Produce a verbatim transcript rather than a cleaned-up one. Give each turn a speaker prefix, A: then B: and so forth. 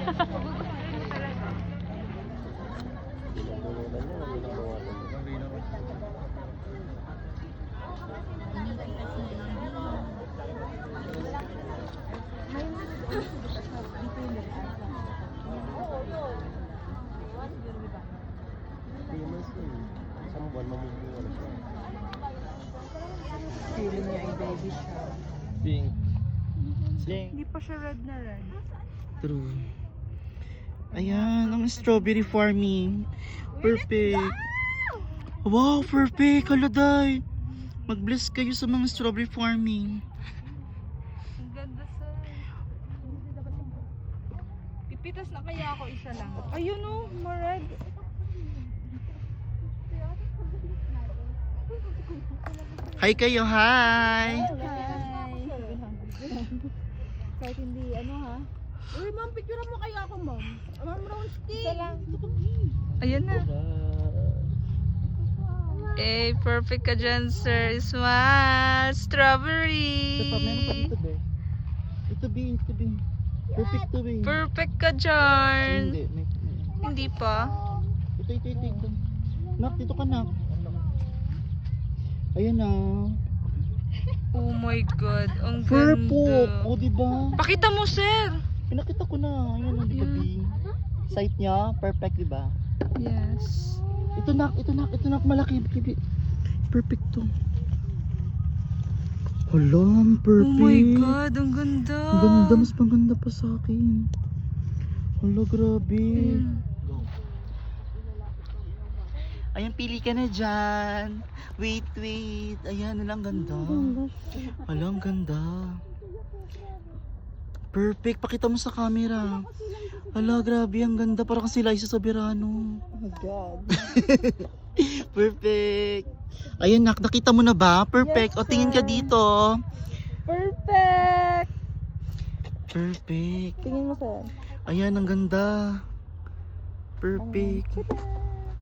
A: Isang buwan mamumuha na siya.
B: Feeling niya ay baby siya.
A: Pink. Pink.
B: Hindi pa siya red na red.
C: True. Ayan, ang strawberry farming. Perfect. Wow, perfect. Haladay. Mag-bless kayo sa mga strawberry farming.
B: Ang ganda sa... Pipitas na kaya ako isa lang. Ayun o, ma-red.
C: Hi kayo, hi.
B: Kahit hindi, ano ha?
D: Uy, ma'am, picture mo kaya ako, ma'am. Ma'am Ronski.
B: Isa lang. Ayan na. Eh, perfect ka dyan, sir. Smile. Strawberry.
C: Ito pa, meron pa dito, be. Ito, be. Ito, be. Perfect to, be.
B: Perfect ka
C: Ay,
B: dyan.
C: hindi. May, may.
B: Hindi pa.
C: Ito, ito, ito, ito. Nak, dito ka, nak. Ayan na.
B: Oh my God. Ang
C: Purple.
B: ganda.
C: O, diba?
B: Pakita mo, sir.
C: Pinakita ko na. Ayan na, di ba, be? Sight niya, perfect, diba?
B: Yes.
C: Ito, nak. Ito, nak. Ito, nak. Malaki. Be. Perfect to. Hala, ang perfect.
B: Oh my God. Ang ganda.
C: Ang ganda, mas maganda pa sa akin. Hala, grabe.
B: Ayan.
C: Ayan, pili ka na dyan. Wait, wait. Ayan, hala, ang ganda. Hala, ang ganda. Perfect. Pakita mo sa camera. Hala, grabe. Ang ganda. Parang si Liza Soberano.
B: Oh my God.
C: Perfect. Ayan, nak. Nakita mo na ba? Perfect.
B: Yes,
C: O, tingin ka
B: sir.
C: dito.
B: Perfect.
C: Perfect.
B: Tingin mo, sir.
C: Ayan, ang ganda. Perfect.
B: Tada.